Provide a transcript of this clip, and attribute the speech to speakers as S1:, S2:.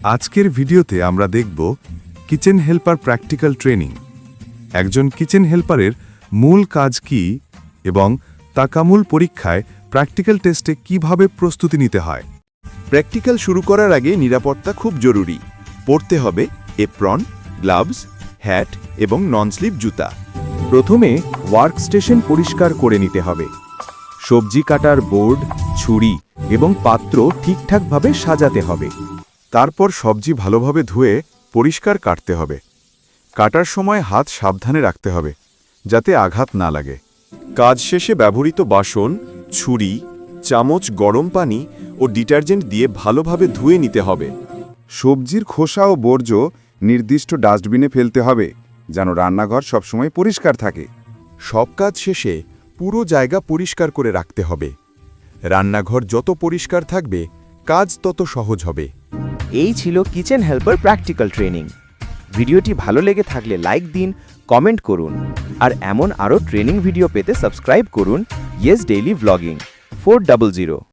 S1: আজকের ভিডিওতে আমরা দেখব কিচেন হেল্পার প্র্যাকটিক্যাল ট্রেনিং। একজন কিচেন হেল্পারের মূল কাজ কি এবং তাকামূল পরীক্ষায় প্র্যাকটিক্যাল টেস্টে কিভাবে প্রস্তুতি নিতে হয়।
S2: প্র্যাকটিক্যাল শুরু করার আগে নিরাপত্তা খুব জরুরি। পরতে হবে এপ্রন, গ্লাভস, হ্যাট এবং নন স্লিপ জুতা।
S3: প্রথমে ওয়ার্কস্টেশন পরিষ্কার করে নিতে হবে। সবজি কাটার বোর্ড, ছুরি এবং পাত্র ঠিকঠাকভাবে সাজাতে হবে।
S1: তারপর সবজি ভালোভাবে ধুয়ে পরিষ্কার কাটতে হবে। কাটার সময় হাত সাবধানে রাখতে হবে যাতে আঘাত না লাগে।
S2: কাজ শেষে ব্যবহৃত বাসন, ছুরি, চামচ গরম পানি ও ডিটারজেন্ট দিয়ে ভালোভাবে ধুয়ে নিতে হবে।
S4: সবজির খোসা ও বর্জ্য নির্দিষ্ট ডাস্টবিনে ফেলতে হবে যেন রান্নাঘর সবসময় পরিষ্কার থাকে।
S2: সব কাজ শেষে পুরো জায়গা পরিষ্কার করে রাখতে হবে। রান্নাঘর যত পরিষ্কার থাকবে কাজ তত সহজ হবে।
S5: এই ছিল কিচেন হেল্পার প্র্যাকটিক্যাল ট্রেনিং। ভিডিওটি ভালো লেগে থাকলে লাইক দিন, কমেন্ট করুন আর এমন আরও ট্রেনিং ভিডিও পেতে সাবস্ক্রাইব করুন ইয়েস ডেইলি ভ্লগিং 400।